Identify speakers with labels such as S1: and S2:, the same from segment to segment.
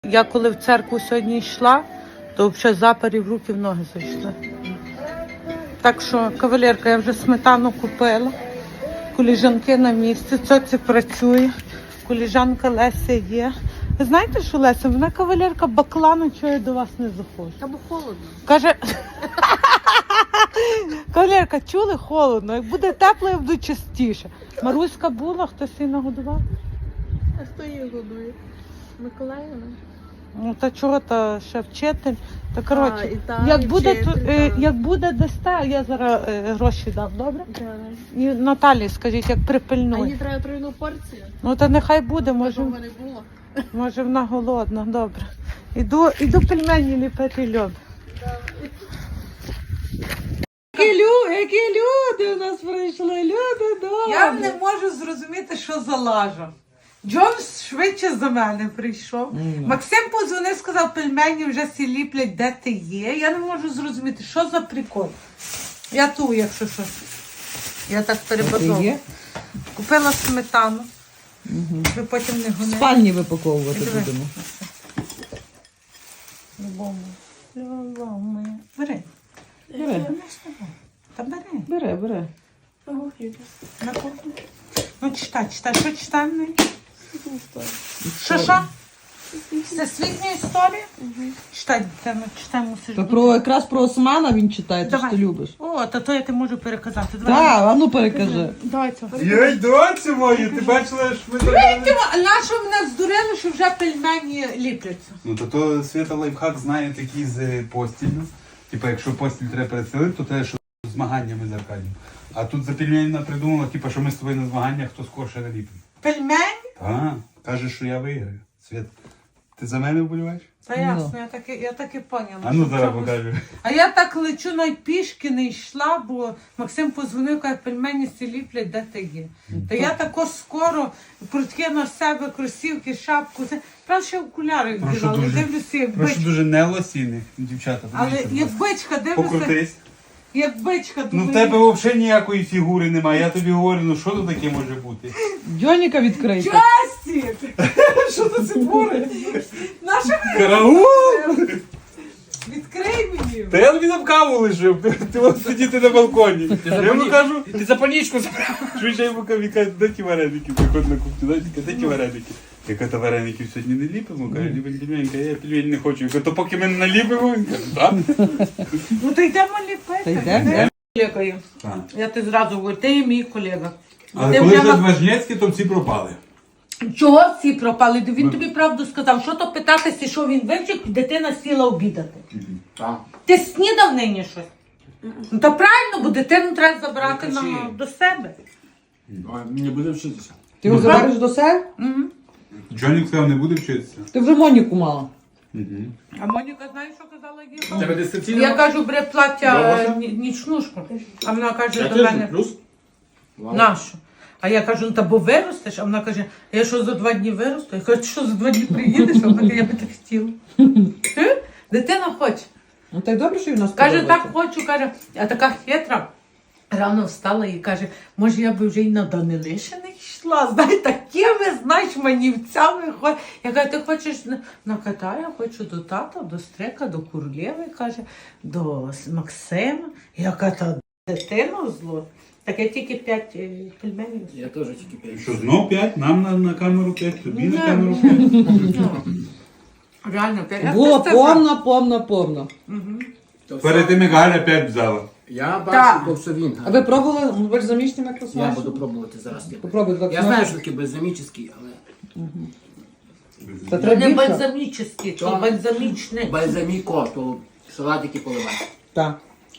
S1: Я коли в церкву сьогодні йшла, то взагалі запарі в руки в ноги зайшли. Так що, кавалерка, я вже сметану купила, коліжанки на місці, цьоці працює, коліжанка Леся є. Ви знаєте, що Леся, вона кавалерка баклану, чого я до вас не заходжу.
S2: Та бо холодно.
S1: Каже, кавалерка, чули, холодно, як буде тепло, я буду частіше. Маруська була, хтось її нагодував?
S2: А хто її годує? Миколаївна?
S1: Ну, та чого, та ще вчитель. Та, коротше,
S2: і там,
S1: як
S2: і
S1: буде,
S2: вчитель, так.
S1: як буде дасте, я зараз гроші дам, добре?
S2: Так.
S1: І Наталі, скажіть, як
S2: А їй
S1: припильнує.
S2: треба тройну порцію.
S1: Ну, та нехай буде,
S2: Може,
S1: може,
S2: не було.
S1: може вона голодна, добре. Іду пельмені ліпити льод. Які люди у нас прийшли, люди добрі. Я не можу зрозуміти, що за лажа. Джон швидше за мене прийшов. Максим подзвонив, сказав, пельмені вже всі ліплять, де ти є. Я не можу зрозуміти, що за прикол. Я ту, якщо що. Я так перебазовую. Купила сметану. Ви потім не
S3: В
S1: гоните.
S3: спальні випаковувати
S1: Диви.
S3: будемо.
S1: Любов моя. Бери.
S3: Бери,
S1: Та бери.
S3: бери.
S1: На кухню. Ну, читай. Що читаємо? Що? Всесвітня історія? Читай, дитина, читай, мусиш.
S3: То якраз про Османа він читає, ти ж
S1: Давай.
S3: ти любиш.
S1: О, то я ти можу переказати.
S3: Так, а ну перекажи.
S1: Давай цього.
S4: Йой, доцю мою, ти бачила, що ми так...
S1: Нащо мене здурили, що вже пельмені ліпляться?
S4: Ну, то Свята лайфхак знає такий з постілью. Типа, якщо постіль треба переселити, то те, що з змаганнями з Аркадієм. А тут за пельменіна придумала, типа, що ми з тобою на змаганнях, хто скорше наліпить.
S1: Пельмені?
S4: Так, каже, що я виграю. Свят, ти за мене вболіваєш?
S1: Та ясно, я так і поняла.
S4: А ну
S1: що
S4: зараз
S1: чомусь-
S4: покажу.
S1: А я так лечу, навіть пішки не йшла, бо Максим позвонив, каже, пельмені всі ліплять, де ти є. Та я тако скоро прутки на себе, кросівки, шапку. Правда, ще окуляри
S4: Прошу
S1: вдівала,
S4: дуже.
S1: дивлюся, як
S4: Прошу
S1: бичка.
S4: дуже не лосіни, дівчата.
S1: Але
S4: подивіться,
S1: як
S4: будь ласка.
S1: бичка, дивлюся,
S4: Покрутись.
S1: як бичка.
S4: Ну в
S1: думаю,
S4: тебе взагалі ніякої фігури немає. Я тобі говорю, ну що тут таке може бути?
S3: Дьоніка відкрийте.
S1: Джастік! Що це творить? Наша
S4: Караул!
S1: відкрий мені.
S4: Та я тобі там каву лишив, ти от сидіти на балконі. Я йому кажу,
S5: Ти за панічку забрав.
S4: швидше йому кажу, він каже, де ті вареники, приходь на кухню, знаєте, де ті вареники? Я кажу, та вареників сьогодні не ліпимо, каже, ліпимо пельмені, я пельмені не хочу. Я кажу, то поки ми не наліпимо, він каже, так.
S1: Ну то йдемо ліпити.
S3: Та йдемо.
S1: Колегою. Я ти зразу говорю, ти є мій колега.
S4: Але
S1: Ти
S4: коли
S1: вже
S4: це
S1: ма-
S4: Важнєцький, то всі пропали.
S1: Чого всі пропали? Він тобі правду сказав. Що то питатися, що він вивчив, дитина сіла обідати. Ти снідав нині щось? Ну то правильно, бо дитину треба забрати до себе.
S5: Не буде вчитися.
S3: Ти його забереш до себе?
S4: Джонік сказав, не буде вчитися.
S3: Ти вже Моніку мала.
S1: А Моніка, знаєш, що казала їй?
S5: Тебе дистанційно?
S1: Я кажу, бери плаття
S5: Довго?
S1: нічнушку. А вона каже
S5: Я
S1: до
S5: теж
S1: мене,
S5: плюс. Вау.
S1: нашу. А я кажу, ну та бо виростеш, а вона каже, а я що за 2 дні виросту? Я кажу, ти що за 2 дні приїдеш? А вона каже, я би так хотіла. Дитина хоче.
S3: Ну так добре, що він нас
S1: Каже,
S3: подобається.
S1: так хочу, каже, а така хитра. Рано встала і каже, може я би вже й на Данилишини йшла, знає, такими, знаєш, манівцями. Я кажу, ти хочеш на Катая, я хочу до тата, до Стрека, до Курлєви, каже, до Максима. Я кажу, та дитину зло. Так я тільки 5 пельменів.
S5: Я теж тільки п'ять.
S4: Що, знов 5? Нам на камеру 5, тобі
S1: Ні.
S4: на камеру 5.
S1: Реально, 5.
S3: Було повно.
S4: Перед тим, як Галя 5 взяла.
S5: Я
S1: Так.
S5: бачу, бо все він.
S3: А ви пробували? Ви ж заміжні як
S5: Я
S3: смачно?
S5: буду пробувати зараз.
S3: Попробуй так
S5: Я знаю, що таке беззамічний, але
S3: Та
S1: Не
S3: треба більше.
S1: бальзамічний, то бальзамічний.
S5: бальзаміко, то салатики поливати.
S3: Так.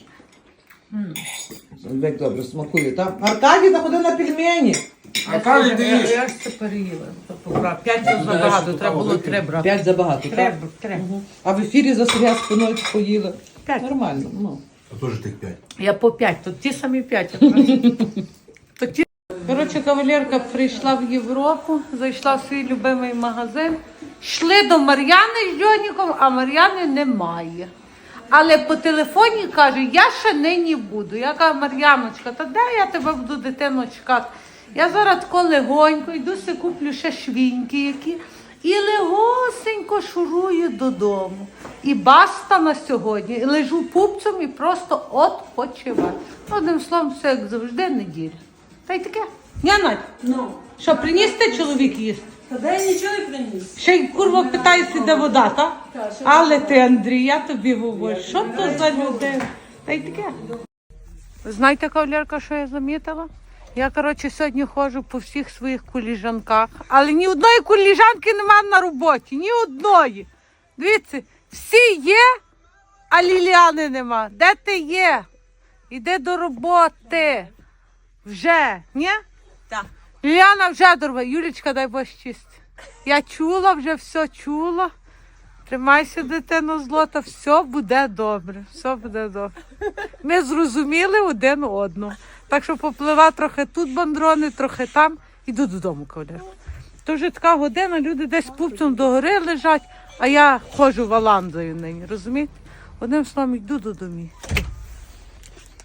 S3: Як добре смакує, так? Аркадій заходив на пельмені.
S5: Аркадій, ти їж.
S1: Я ж це переїла. 5 це забагато, треба було 3 брати.
S3: 5 забагато, так?
S1: Треба.
S3: А в ефірі за Сергія спиною поїли.
S1: 5.
S3: Нормально, ну.
S4: А теж тих 5.
S1: Я по 5, тут ті самі 5. Коротше, кавалерка прийшла в Європу, зайшла в свій любимий магазин. Йшли до Мар'яни з Джоніком, а Мар'яни немає. Але по телефоні каже, я ще нині буду. Я кажу, Мар'яночка, та де я тебе буду, дитину, чекати? Я зараз тако легонько, йду си куплю ще швіньки які. І легосенько шурую додому. І баста на сьогодні. І лежу пупцем і просто відпочиваю. Одним словом, все як завжди, неділя. Та й таке. Ні, Надь?
S2: Ну,
S1: Що, приніс ти чоловік їсти?
S2: та де нічого не приніс.
S1: Ще й курва питається, де вода, так?
S2: Так, ще
S1: Але ти, Андрій, я тобі говорю, що то за людина? Та й таке. Ви знаєте, кавалерка, що я замітила? Я, коротше, сьогодні ходжу по всіх своїх куліжанках, але ні одної куліжанки немає на роботі, ні одної. Дивіться, всі є, а Ліліани нема. Де ти є? Іди до роботи. Вже, ні?
S2: Так.
S1: Ліліана вже до роботи. Юлічка, дай Боже чисти. Я чула, вже все чула. Тримайся, дитино злота, все буде добре, все буде добре. Ми зрозуміли один одного. Так що поплива трохи тут бандрони, трохи там. Іду додому, кавалерка. То вже така година, люди десь пупцем догори лежать, а я ходжу валандою нині, розумієте? Одним словом, йду додому.